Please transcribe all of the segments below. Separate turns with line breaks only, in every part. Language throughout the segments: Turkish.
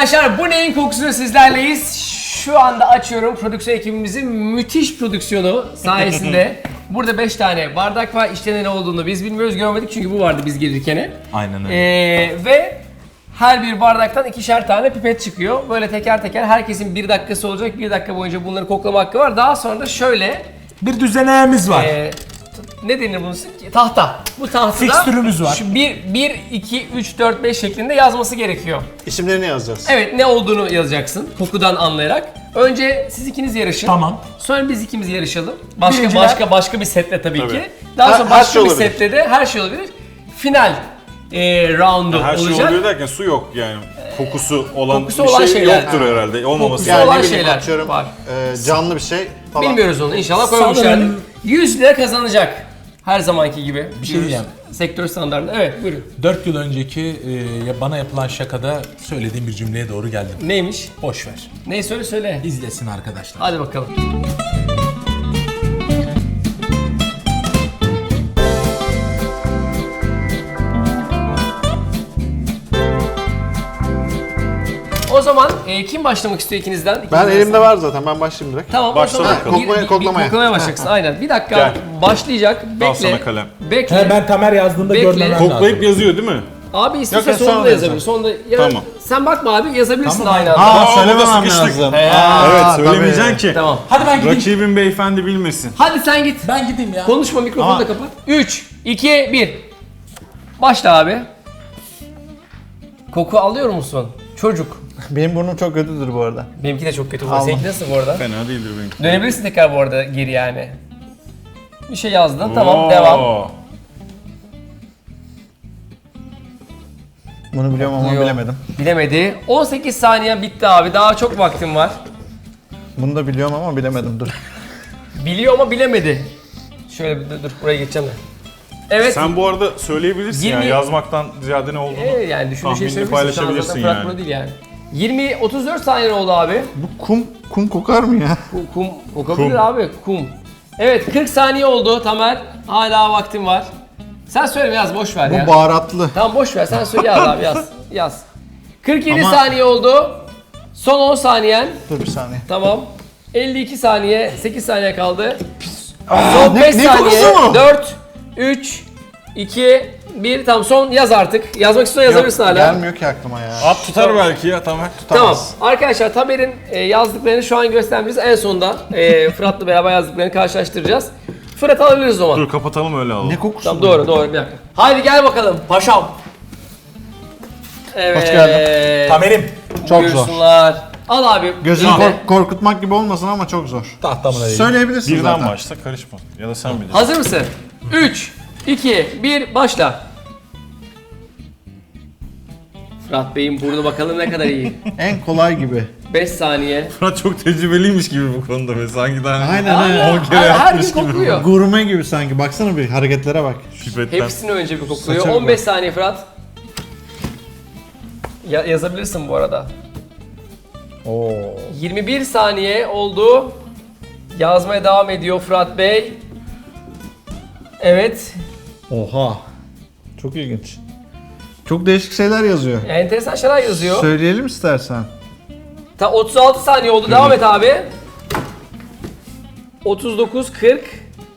arkadaşlar, bu neyin kokusunu sizlerleyiz. Şu anda açıyorum prodüksiyon ekibimizin müthiş prodüksiyonu sayesinde. Burada 5 tane bardak var. İçte ne olduğunu biz bilmiyoruz, görmedik çünkü bu vardı biz gelirken.
Aynen öyle.
Ve her bir bardaktan 2'şer tane pipet çıkıyor. Böyle teker teker herkesin 1 dakikası olacak. 1 dakika boyunca bunları koklama hakkı var. Daha sonra da şöyle
Bir düzeneğimiz var.
ne denir bunun? Tahta. Bu tahtada
Fikstürümüz var.
Şu 1, 2, 3, 4, 5 şeklinde yazması gerekiyor.
İsimlerini yazacağız.
Evet, ne olduğunu yazacaksın kokudan anlayarak. Önce siz ikiniz yarışın.
Tamam.
Sonra biz ikimiz yarışalım.
Birinciler-
Başka bir setle tabii
Tabii.
ki. Daha sonra
Her
başka
şey
bir
olabilir.
setle de her şey olabilir. Final roundu
Her şey
olacak.
oluyor derken su yok yani. Kokusu olan
Kokusu
bir
olan
şey
şeyler.
yoktur herhalde. Olmaması
Kokusu
lazım.
olan
ne bileyim,
şeyler
atıyorum,
var.
Canlı bir şey falan.
Bilmiyoruz onu, inşallah koymuşlardır.
Sanırım-
100 lira kazanacak. Her zamanki gibi.
Bir şey diyeceğim.
Sektör standartında. Evet, buyurun.
4 yıl önceki bana yapılan şakada söylediğim bir cümleye doğru geldim.
Neymiş?
Boş ver.
Neyi söyle.
İzlesin arkadaşlar.
Hadi bakalım. O zaman kim başlamak istiyor ikinizden?
Ben
İkinizden
elimde var zaten, ben başlayayım direkt.
Tamam,
Başla
o zaman
bakalım.
Koklamaya.
koklamaya başlayacaksın. Aynen. Bir dakika
Gel.
başlayacak. Bekle.
sana kalem.
Bekle.
He, ben Tamer yazdığımda
Bekle.
görmemem
Koklayıp
lazım.
yazıyor değil mi?
Abi istiyorsan
Yok,
sonunda
sonra
yazabilir. Sonunda ya
Tamam.
sen bakma abi, yazabilirsin
Tamam.
aynı anda.
Aa,
burada
söylememem
sıkıştık.
lazım.
Evet,
Aa,
söylemeyeceksin
tabii.
ki.
Tamam.
Hadi ben gideyim.
Rakibin beyefendi bilmesin.
Hadi sen git.
Ben gideyim ya.
Konuşma, mikrofonu
Ama-
da kapat. 3, 2, 1. Başla abi. Koku alıyor musun? Çocuk.
Benim burnum çok kötüdür bu arada.
Benimki de çok kötü.
Aldım.
Seninki nasıl bu arada?
Fena değildir benimki.
Dönebilirsin tekrar bu arada geri yani. Bir şey yazdın. Tamam, devam.
Bunu biliyorum ama
Yok.
bilemedim.
Bilemedi. 18 saniye bitti abi. Daha çok vaktim var.
Bunu da biliyorum ama bilemedim, dur.
Biliyor ama bilemedi. Şöyle bir dur buraya geçeceğim ben. Evet.
Sen bu arada söyleyebilirsin
20
ya, yazmaktan ziyade ne olduğunu.
Yani düşündüğün şey
tahminini
söyleyebilirsin. Şu an
paylaşabilirsin
zaten Fırat
yani.
Pro değil yani. 34 saniye oldu abi.
Bu kum kokar mı ya?
Kum kokabilir
Kum.
abi. Kum. Evet, 40 saniye oldu Tamer. Hala vaktim var. Sen söyle, yaz, boş ver ya.
Bu baharatlı.
Tamam, boş ver, sen söyle, yaz abi, yaz. Yaz. 47
Ama-
saniye oldu. Son 10 saniyen.
Dur bir saniye.
Tamam. 52 saniye, 8 saniye kaldı. Son 5
ne kokusu
saniye.
bu?
4, 3, 2, 1. Tamam, son yaz artık. Yazmak istiyorsan yazabilirsin hala.
Gelmiyor ki aklıma ya.
At tutar belki ya, tamam.
Tamam. Arkadaşlar, Tamer'in yazdıklarını şu an göstermeyeceğiz. En sonunda Fırat'la beraber yazdıklarını karşılaştıracağız. Fırat alabiliriz o zaman.
Dur kapatalım öyle alalım.
Ne kokusu
Tamam,
bu?
doğru, bir dakika. Haydi gel bakalım paşam. Evet.
Hoş geldin.
Tamer'im.
Çok zor.
Buyursunlar. Al abi.
Gözünü
elinde.
korkutmak gibi olmasın ama çok zor.
Tahtamına değil.
Söyleyebilirsin
Birden
zaten.
başla, karışma. Ya da sen bilirsin.
Hazır mısın? 3, 2, 1, başla. Fırat Bey'in burnu bakalım ne kadar iyi.
En kolay gibi.
5 saniye.
Fırat çok tecrübeliymiş gibi bu konuda ve sanki daha
Aynen aynen.
10 kere
Her gün
yapmış gibi.
kokluyor.
Gurme gibi sanki. Baksana bir hareketlere bak.
Pipetten.
Hepsini önce bir kokluyor.
Saça
15
bak.
saniye Fırat. Yazabilirsin bu arada.
Oo.
21 saniye oldu. Yazmaya devam ediyor Fırat Bey. Evet.
Oha. Çok ilginç. Çok değişik şeyler yazıyor.
Enteresan şeyler yazıyor.
Söyleyelim istersen.
36 saniye oldu. Devam et abi. 39, 40.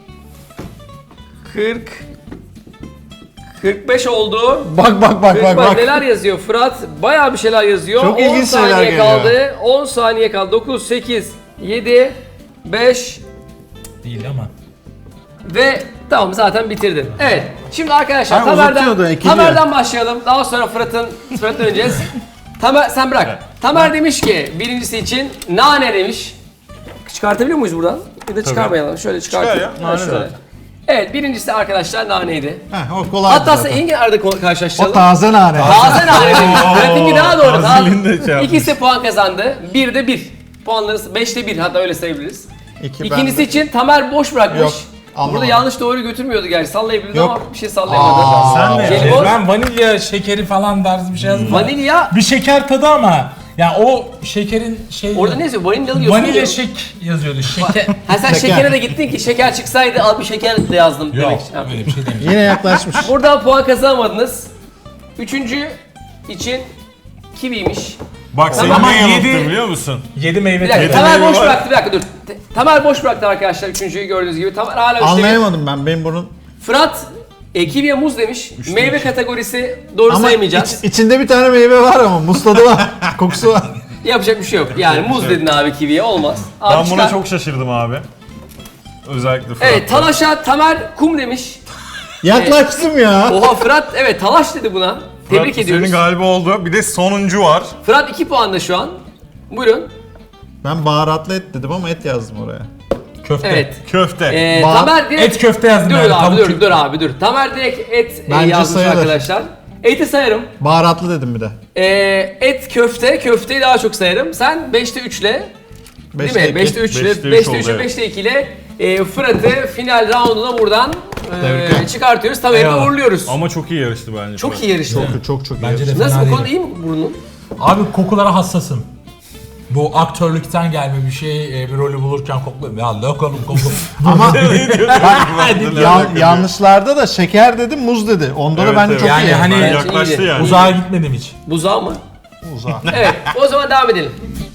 45 oldu.
Bak
45 neler yazıyor Fırat? Bayağı bir şeyler yazıyor.
Çok
10
ilginç şeyler
saniye
geliyor.
kaldı. 10 saniye kaldı. 9, 8, 7, 5
Değil ama.
ve tamam, zaten bitirdin. Evet. Şimdi arkadaşlar
Ha, uzatıyordu, ekiliyor.
Tamer'den başlayalım. Daha sonra Fırat'ın döneceğiz. Tamer, sen bırak. Tamer demiş ki birincisi için nane demiş. Çıkartabiliyor muyuz buradan? Ya da çıkarmayalım. Şöyle çıkartalım.
Çıkar ya,
Ha,
nane
şöyle.
zaten.
Evet, birincisi arkadaşlar naneydi.
Heh, o kolay
Hatta
zaten.
hangi arada karşılaştıralım?
O taze nane.
Taze nane demiş. Pratinki daha doğru.
tazeliğini de şey yapmış.
İkisi puan kazandı. 1'de 1. Puanları 5'te 1, hatta öyle sayabiliriz.
İki
İkincisi
bende.
için Tamer boş bırakmış.
Yok, anlamadım.
Burada yanlış doğru götürmüyordu gerçi. Sallayabilirdi
Yok.
ama bir şey sallayamadı.
Sen ne?
Jelibon.
Ben vanilya şekeri falan tarzı bir şey yazdım.
Vanilya.
Bir şeker tadı ama. Ya o şekerin şey...
Orada ne yazıyor? Vanilyalı yazıyor.
Vanilya şek yazıyordu. Şeker.
Ha, sen
Şeker.
şekere de gittin ki şeker çıksaydı al bir şeker de yazdım
Yok
demek.
öyle bir şey demiş.
Yine yaklaşmış.
Burada puan kazanamadınız. Üçüncü için kiviymiş.
Bak seni
Tamam.
ne
Ama
yanılttı
yedi-
biliyor musun?
7 meyve
Bir dakika,
tadı.
Tamer
meyve
boş
var.
bıraktı, bir dakika dur. Tamer boş bıraktı arkadaşlar, üçüncüyü gördüğünüz gibi. Tamer hala üçte bir.
Anlayamadım ben. Benim bunun...
Fırat, kiviye muz demiş. Meyve kategorisi doğru
Ama
sayamayacağız.
içinde bir tane meyve var ama muz tadı var. Kokusu var.
Yapacak bir şey yok. Yani muz dedin abi kiviye, olmaz. Abi
Ben buna
çıkar.
çok şaşırdım abi. Özellikle Fırat.
Evet, Talaş'a Tamer kum demiş.
Yaklaştım ya.
Oha Fırat, evet Talaş dedi buna. Tebrik
Fırat,
ediyoruz.
Senin galiba oldu. Bir de sonuncu var.
Fırat 2 puanda şu an. Buyurun.
Ben baharatlı et dedim ama et yazdım oraya.
Köfte.
Evet.
Köfte.
Tamer direkt...
Et köfte yazdım
Dur
yani.
abi,
tavuk
dur,
köfte.
dur abi, dur. Tamer direkt et
Bence
yazmış
sayılır.
arkadaşlar. Eti sayarım.
Baharatlı dedim bir de.
Et köfte, köfteyi daha çok sayarım. Sen 5'te 3'le, değil
Beşte
mi?
iki.
5'te 3 ile,
5'te
5'te
3
3'e,
oldu,
5'te 2 ile Fırat'ı final rounduna buradan
Tebrikler.
çıkartıyoruz. Tamer'i de
Eyvallah.
uğurluyoruz.
Ama çok iyi yarıştı bence.
Çok iyi yarıştı.
Çok iyi.
Bence de
Nasıl,
fena
bu
değil.
konuda iyi mi burnun?
Abi kokulara hassasım. Bu aktörlükten gelme bir şey, bir rolü bulurken kokluyorum. Ya lokalım koku.
Ama
Ya,
yanlışlarda da şeker dedim, muz dedi. Onda da
Evet,
bence
evet.
çok
Yani
iyi.
hani-
Bence
yaklaştı
iyiydi.
yani.
Uzağa gitmedim hiç.
Buzağı mı?
Uzağa.
Evet, o zaman devam edelim.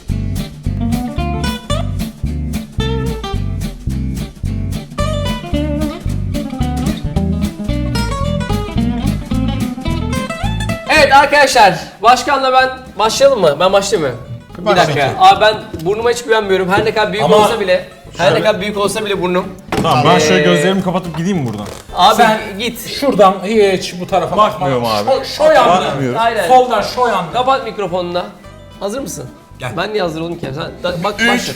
Evet arkadaşlar, başkanla ben başlayalım mı? Ben başlayayım mı? Bir dakika. Abi ben burnuma hiç güvenmiyorum. Her ne kadar büyük
Ama-
olsa bile, her ne kadar büyük olsa bile burnum.
Tamam ben şöyle gözlerimi kapatıp gideyim mi buradan?
Abi
Sen-
git.
Şuradan hiç bu tarafa
Bakmıyorum
bakma.
abi.
Şu yandan.
Bakmıyorum.
Aynen.
Soldan şu yandan.
Kapat mikrofonunu da. Hazır mısın?
Gel.
Ben niye hazır oldum ki? Sen bak başla.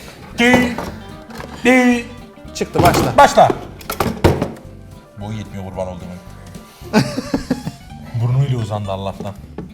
Çıktı başla.
Başla. Boy yetmiyor kurban olduğum. Burnuyla uzandı Allah'tan.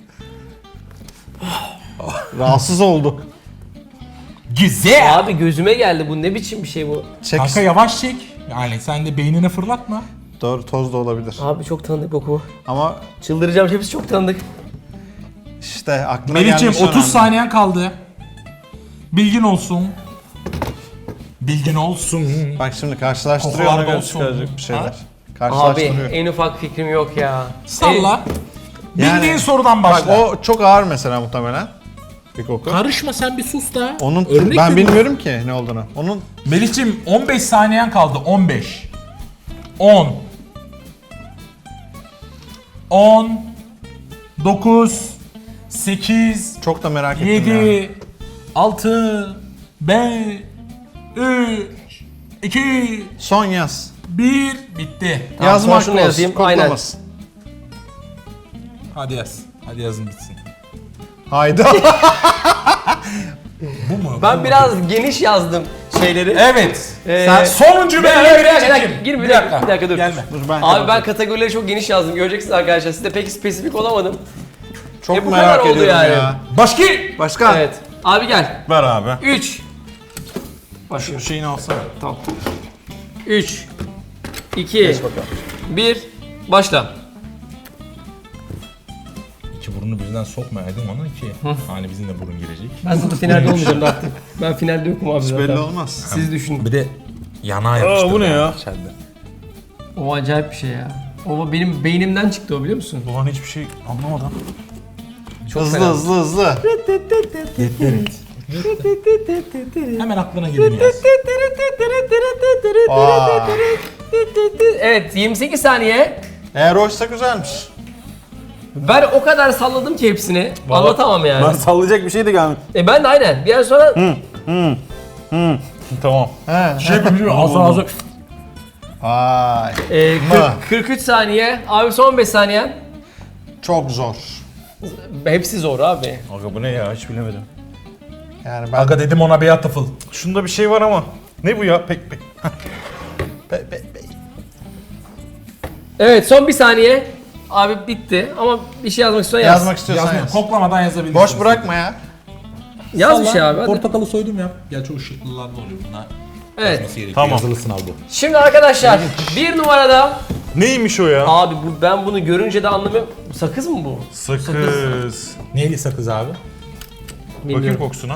Rahatsız oldu.
Güzel.
Abi gözüme geldi, bu ne biçim bir şey bu?
Çek.
Kanka yavaş çek. Yani sen de beynine fırlatma.
Doğru, toz da olabilir.
Abi çok tanıdık koku.
Ama
Çıldıracağım, hepsi çok tanıdık.
işte aklına
Melih'ciğim
gelmiş
30 saniyen kaldı. Bilgin olsun. Bilgin olsun.
Bak şimdi karşılaştırıyor,
Kokular
ona göre
olsun.
çıkaracak bir şeyler.
Ha?
Abi
Karşılaştırıyor.
en ufak fikrim yok ya.
Salla.
Yani-
Bildiğin sorudan
Bak
başla.
o çok ağır mesela muhtemelen. Bir koku.
Karışma sen bir sus da.
Onun
Örnek
ben
veriyorum.
bilmiyorum ki ne olduğunu. Onun
Melih'ciğim 15 saniyen kaldı. 15. 10. 10. 9. 8.
çok da merak ettim ya.
7. 6. 5. 3. 2.
Son yaz.
1. Bitti.
Tamam,
Yazmak
son şunu
olsun,
yazayım,
koklamasın.
Hadi yaz. Hadi yazın bitsin.
Hayda.
Bu mu? Bu
Ben
mu?
biraz geniş yazdım şeyleri.
Evet.
Sen
Sonuncu
bir
belirli
dakika,
kim?
girme, bir dakika dur.
Gelme.
Dur ben
Abi ben kategorileri çok geniş yazdım, göreceksiniz arkadaşlar. Siz de pek spesifik olamadım.
çok
bu
merak
kadar oldu
ediyorum
yani.
ya.
Başka?
Başka?
Evet. Abi gel.
Ver abi.
3.
Şu
Başlıyorum.
şeyini alsana.
Tamam. 3 2 1 başla.
İki burnu birden sokmayaydım ona ki. Hani bizim de burun girecek.
Ben zaten finalde olmayacağım artık. Ben finalde yokum abi
Hiç belli
zaten.
olmaz.
Siz düşünün.
Bir de yanağa yapıştırdı.
bu ne ya?
içeride.
O acayip bir şey ya. O benim beynimden çıktı o, biliyor musun?
Ulan hiçbir şey anlamadım.
Çok
Hızlı
fena.
hızlı.
Hemen aklına geleni yaz.
Aa.
Evet, 28 saniye.
Eğer oysa güzelmiş.
Ben o kadar salladım ki hepsini. Anlatamam yani.
Ben sallayacak bir şey de gelmedi.
Ben de aynen. Bir an sonra
Tamam.
He.
Şey bilmiyorum ağzı.
Vay.
43 saniye. Abi son 5 saniye.
Çok zor.
Hepsi zor abi.
Aga bu ne ya, hiç bilemedim.
Yani ben
Aga dedim ona beyaz tıfıl.
Şunda bir şey var ama. Ne bu ya? Pek.
Evet, son 1 saniye. Abi bitti ama bir şey yazmak istiyorsan yaz.
yazmak istiyorsan
Yazmıyor.
yaz.
Koklamadan yazabilirsin.
Boş bırakma ya.
Yaz bir şey abi. Hadi.
Portakalı soydum ya. Gerçi o ışıklılarda oluyor bunlar.
Evet.
Yazması gerekiyor.
Tamam.
Yazılı sınav bu.
Şimdi arkadaşlar bir numarada
Neymiş o ya?
abi ben bunu görünce de anlamıyorum. Sakız mı bu?
Sakız.
Neyli sakız abi?
Bakayım
Bilmiyorum.
kokusuna.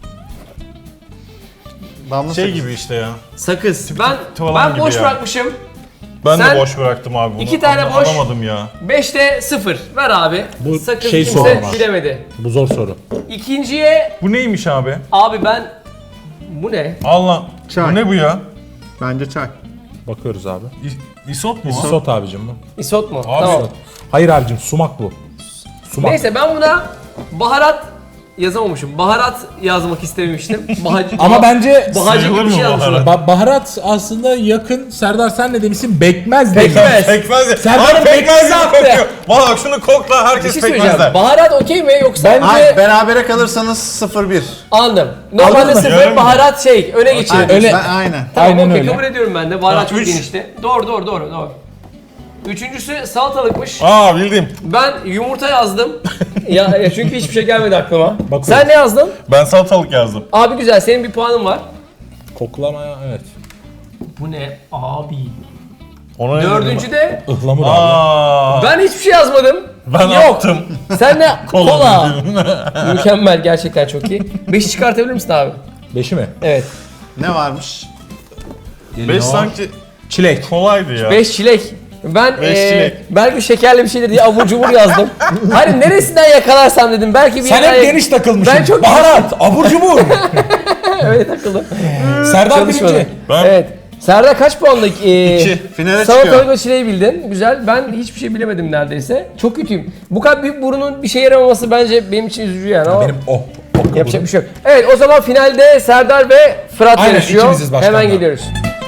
Damla
Şey
sakız.
gibi işte ya.
Sakız.
tuvalan
Ben
gibi
boş
ya.
bırakmışım.
Ben
Sen
de boş bıraktım abi bunu.
2 tane boş.
Alamadım ya.
5'te 0. Ver abi.
Bu
Sakız
şey
kimse
soru ama.
bilemedi.
Bu zor soru.
İkinciye
Bu neymiş abi?
abi ben bu ne?
Allah.
Çay.
Bu ne bu ya?
Bence çay.
Bakıyoruz abi.
İsot mu?
Isot abicim bu.
Isot mu?
Abi,
Tamam.
Hayır abicim sumak bu. Sumak.
Neyse ben buna baharat yazamamışım. Baharat yazmak istememiştim.
Ama bence
bahacı gibi
sayılır
bir şey
mı
yazmışım.
baharat?
baharat aslında yakın. Serdar sen ne demişsin? Bekmez demiş.
Pekmez.
Pekmez ya.
Serdar'ın
Abi pekmez
pekmezi
gibi
attı.
kokuyor. Valla şunu kokla
Bir
herkes
şey
pekmez
söyleyeceğim.
der.
Baharat okey mi yoksa?
Hayır, berabere kalırsanız 0-1.
Anladım. Normalde
Anladın mı?
sıfır
Yarım
baharat şey öne geçirir.
Aynen.
Öyle.
Aynen.
Tamam,
Aynen
okey,
öyle.
kabul ediyorum ben de. Baharat
Ha,
çok
üç.
genişti. Doğru. Üçüncüsü salatalıkmış.
Aa bildim.
Ben yumurta yazdım. ya çünkü hiçbir şey gelmedi aklıma.
Bakıyorum.
Sen ne yazdın?
Ben salatalık yazdım.
Abi güzel, senin bir puanın var.
Koklamaya evet.
Bu ne abi?
Ona ne dedim
Dördüncü de
Ihlamur
ben?
abi.
Aa.
ben hiçbir şey yazmadım.
Ben
Yok.
attım.
Sen ne? Kola.
dedim.
Mükemmel, gerçekten çok iyi. 5'i çıkartabilir misin abi?
5'i mi?
Evet.
Ne varmış?
5 sanki
Çilek.
kolaydı ya.
5 çilek. Ben
Beş çilek.
belki şekerli bir şeydir diye abur cubur yazdım. Hani neresinden yakalarsam dedim. Belki bir
Sen
yerden
hep geniş takılmışsın.
Ben çok
Baharat, abur cubur.
öyle takıldım.
Serdar
Çalışmadı.
birinci.
Ben-
Evet. Serdar kaç puanlık?
2. Finale
Salatalık
çıkıyor.
ve çileği bildin. Güzel. Ben hiçbir şey bilemedim neredeyse. Çok kötüyüm. Bu kadar büyük burunun bir şeye yaramaması bence benim için üzücü yani. Ama
Benim o.
yapacak bir şey yok. Evet, o zaman finalde Serdar ve Fırat
Aynen,
yarışıyor.
ikimiziz başkanlar.
Hemen geliyoruz.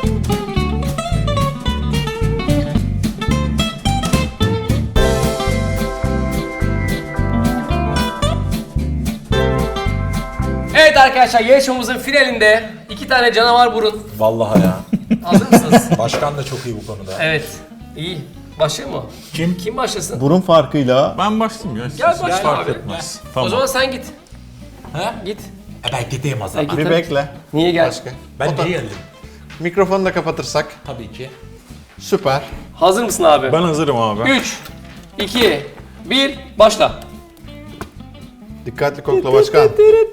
Evet arkadaşlar, yarışmamızın finalinde 2 tane canavar burun.
Vallahi ya.
Hazır mısınız?
Başkan da çok iyi bu konuda.
Evet. İyi. Başlayalım mı?
Kim?
Kim başlasın?
Burun farkıyla
Ben başlayayım ya.
Gel başla
Fark
abi.
etmez.
O
Tamam.
zaman sen git.
He?
Git.
Ben gideyim o zaman.
Git.
bir bekle.
Niye gel?
Başka.
Ben niye geldim?
Mikrofonu da kapatırsak
Tabii ki.
süper.
Hazır mısın abi?
Ben hazırım abi.
3, 2, 1, başla.
Dikkatli kokla başkan.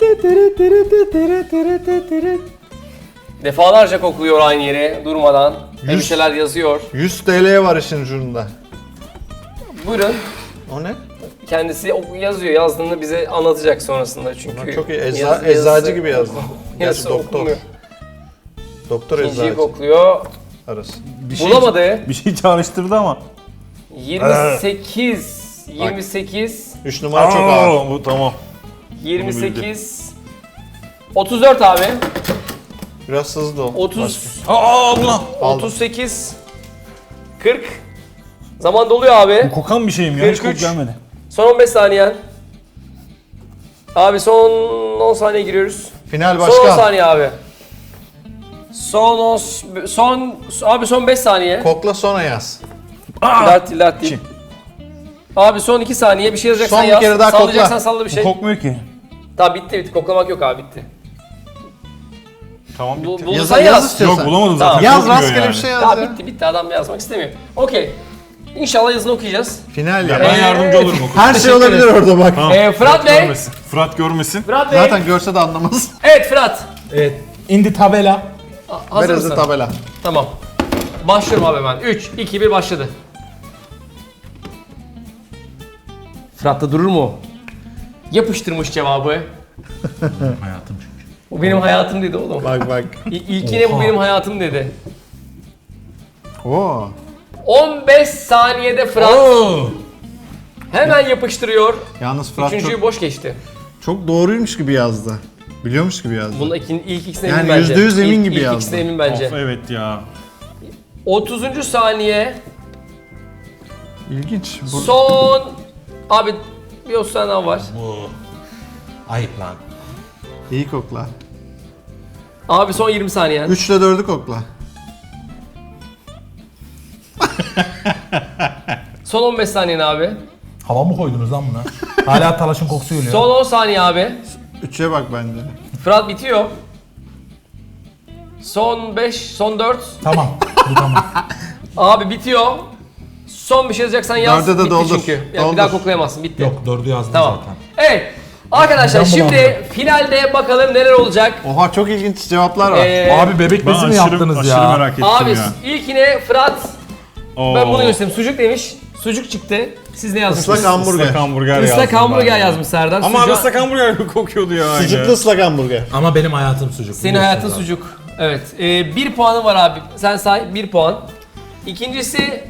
Defalarca kokluyor aynı yere durmadan. Bir şeyler yazıyor.
100 TL'ye var işin ucunda.
Buyurun.
O ne?
Kendisi yazıyor. Yazdığını bize anlatacak sonrasında çünkü.
Çok iyi.
yazı-
Eczacı gibi yazdı. Gerçi
yazısı
doktor.
okunmuyor.
Doktor
İkinciyi
eczacı
kokluyor.
arası.
Bulamadı.
Bir şey çağrıştırdı ama.
28, 28,
3 numara çok ağır.
Bu tamam.
28, 34 abi.
Biraz hızlı ol.
30,
Aa ulan.
38, 40. Zaman doluyor abi.
Kokan bir şeyim ya. Hiç
43.
kok gelmedi.
Son 15 saniyen. Abi son 10 saniye giriyoruz.
Final
Son 10
başkan.
saniye abi. Son 5 saniye.
Kokla sonra yaz.
Dert değil. Abi son 2 saniye bir şey yazacaksan
Son bir
yaz.
kere daha kokla.
Sallayacaksan salla bir şey.
Kokmuyor ki.
Tamam bitti. Koklamak yok abi, bitti.
Tamam bitti.
Bulursan
Yaz
yaz.
istiyorsan.
Yok bulamadım zaten.
Tamam.
Yaz
Kokmuyor
rastgele
yani.
bir şey yaz
Tamam
ya.
bitti adam yazmak istemiyor. Okey. İnşallah yazını okuyacağız.
Final
Ya
ya.
ben yardımcı olurum o
Her şey olabilir orada bak.
Tamam.
Fırat Bey.
görmesin. Fırat görmesin.
Fırat Bey.
Zaten görse de anlamaz.
Evet Fırat.
Evet. Indi tabela.
Hazır
Ver
mısın?
hızlı tabela.
Tamam. Başlıyorum abi hemen. 3, 2, 1 başladı. Fırat da durur mu? Yapıştırmış cevabı.
Hayatım çünkü.
Bu benim hayatım dedi oğlum.
Bak bak.
İlkine bu benim hayatım dedi.
Oo.
15 saniyede Fırat hemen yapıştırıyor.
Yalnız Fırat
Üçüncüyü boş geçti.
çok doğruymuş gibi yazdı. Biliyormuş gibi yazdı.
Bunun ilk ikisine
Yani
emin bence.
%100 emin gibi
İlk
yazdı.
ikisine emin bence.
Of evet ya.
30. saniye.
İlginç.
Son... Abi bir 30 saniye daha var.
Bu. Ayıp lan.
İyi kokla.
Abi son 20 saniye.
3 ile 4'ü kokla.
Son 15 saniyen abi.
Hava mı koydunuz lan buna? Hala talaşın kokusu geliyor.
Son 10 saniye abi.
3'e bak bence.
Fırat bitiyor. Son 5, son 4.
Tamam. Bu tamam.
Abi bitiyor. Son bir şey yazacaksan yaz.
Dörde de
Bitti
doldur.
çünkü. Yani
Doldur.
bir daha koklayamazsın. Bitti.
Yok 4'ü yazdım
Tamam.
zaten.
Evet. Arkadaşlar
Midem
şimdi
bulandı.
finalde bakalım neler olacak.
Oha çok ilginç cevaplar var.
Abi bebek
Ben
bezi mi
aşırı,
yaptınız
aşırı
ya?
merak ettim
Abi
ya.
ilkine Fırat,
Oo.
ben bunu göstereyim. Sucuk demiş. Sucuk çıktı. Siz ne yazmışsınız?
Islak hamburger.
Islak hamburger
Islak
yazdım
hamburger
ben.
yazmış Serdar.
Ama
Sucuğa-
ıslak hamburger kokuyordu ya.
Sucuklu ıslak hamburger.
Ama benim hayatım sucuk.
Senin
biliyorsun
hayatın
zaten.
sucuk. Evet. 1 puanı var abi. Sen say 1 puan. İkincisi...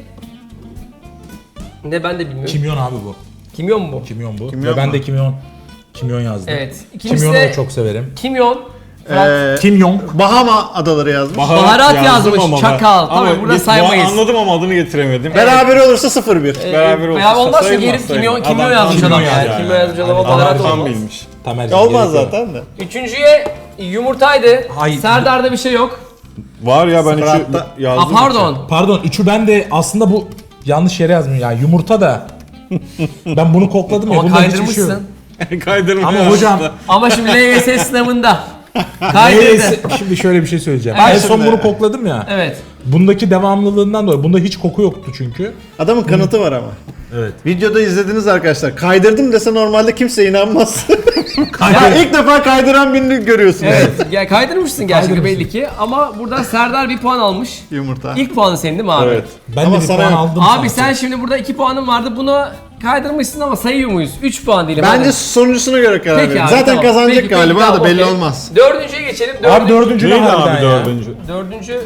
Ne ben de bilmiyorum.
Kimyon abi bu.
Kimyon mu bu?
Kimyon bu.
Kimyon
Ve ben
mu?
de kimyon yazdım.
Evet. İkincisi
Kimyonu
de
da çok severim.
kimyon. Fırat,
Kimyon.
Bahama adaları yazmış.
Baharat
yazdım
yazmış,
ama ben.
çakal. Tabii
Ama
burada
biz-
saymayız.
Anladım ama adını getiremedim.
Beraber olursa 0-1.
Beraber olursa
Beraber olmazsa
sayılmaz,
geri kimyon
sayılmaz.
yazmış
kimyon
adam yani.
yazdı
Kimyon yazmış adam
Aynen.
baharat
Adam tam
olmaz.
bilmiş.
Tamer'cim,
Olmaz
gerek yok.
zaten de.
Üçüncüye yumurtaydı.
Hayır.
Serdar'da bir şey yok.
Var ya ben
Fırat'ta-
üçü yazdım.
Pardon.
Pardon, üçü ben de aslında bu yanlış yere yazmıyorum ya. Yumurta da. Ben bunu kokladım ya.
Ama
Bunda hiçbir şey yok.
kaydırmışsın.
Kaydırma
Ama
yazdım.
hocam
Ama şimdi LYS sınavında. Kaydırdı.
neyse, şimdi şöyle bir şey söyleyeceğim.
Bak
En son
şimdi.
bunu kokladım ya.
Evet.
Bundaki devamlılığından dolayı. Bunda hiç koku yoktu çünkü.
Adamın kanıtı var ama.
Evet.
Videoda izlediniz arkadaşlar. Kaydırdım dese normalde kimse inanmaz. Ya ilk defa kaydıran birini görüyorsun.
Evet. Ya kaydırmışsın gerçekten
Kaydırmışsın.
belli ki. Ama buradan Serdar 1 puan almış.
Yumurta.
İlk puanı senin değil mi abi?
Evet.
Ben
Ama
de bir
sana
puan
yok.
aldım.
Abi
sanki.
sen şimdi burada 2 puanın vardı. Bunu kaydırmışsın ama sayıyor muyuz? 3 puan diyelim.
Bence
hadi.
sonuncusuna göre karar
Peki
verin.
abi,
Zaten
tamam.
kazanacak
Peki,
galiba
tamam,
da belli
okey.
olmaz.
Dördüncüye geçelim.
Abi dördüncü ne
Neydi
harbiden
abi
ya?
dördüncü?
Dördüncü.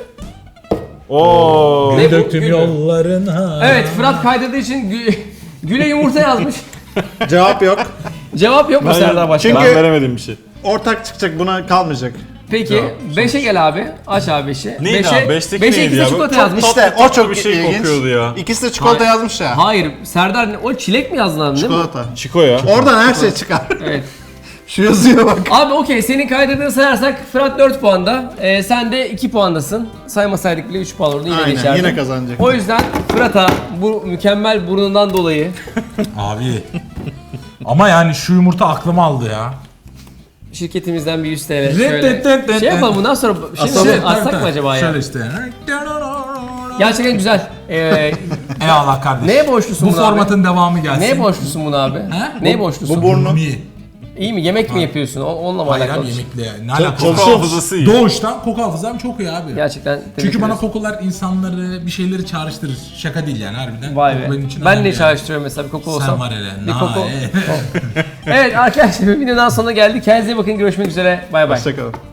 Oo.
Ne bu?
Döktüm
Gül.
yollarına.
Evet, Fırat kaydırdığı için Gül'e yumurta yazmış.
Cevap yok.
Cevap yok mu Serdar Başkan?
Çünkü-
Ben veremedim bir şey.
Ortak çıkacak, buna kalmayacak.
Peki 5'e gel abi. Aç abi 5'i.
Neydi abi? Beşteki
5'e
neydi
ikisi
ya?
çikolata
Çok
yazmış.
İşte o çok
bir şey
ilginç.
kokuyordu ya.
İkisi de çikolata
Hayır.
yazmış ya.
Hayır, Serdar o çilek mi yazdın abi değil mi?
Çikolata.
Çiko ya.
Oradan her şey çıkar.
Evet.
Şu yazıyor bak.
Abi okey, senin kaydırdığını sayarsak Fırat 4 puanda. Sen de 2 puandasın. Saymasaydık bile 3 puan olurdu, yine
Aynen,
geçerdin.
yine kazanacak.
O yüzden Fırat'a bu mükemmel burnundan dolayı
Abi. Ama yani şu yumurta aklımı aldı ya.
şirketimizden bir 100 TL şöyle. Şey yapalım bundan sonra atsak mı acaba ya?
Şöyle işte.
Gerçekten güzel.
Eyvallah kardeşim.
Neye borçlusun
Bu
buna abi?
formatın devamı gelsin.
Neye borçlusun bunu abi?
He?
Neye borçlusun?
bu burnu.
İyi.
İyi mi? Yemek mi yapıyorsun? Onunla mı
Hayır
alakalı?
abi,
bir şey?
yemekle. Ne alakası
Koku
var?
hafızası iyi.
Doğuştan koku hafızam çok iyi abi.
Gerçekten tebrik
Çünkü bana
ederiz.
kokular insanları, bir şeyleri çağrıştırır. Şaka değil yani harbiden.
Vay
Koku
be.
benim için
Ben
önemli
ne
yani.
çağrıştırıyorum mesela bir koku olsam.
Sen var hele.
Bir koku.
Nae.
Evet arkadaşlar videonun sonuna geldik. Kendinize iyi bakın. Görüşmek üzere. Bay bay.
Hoşçakalın.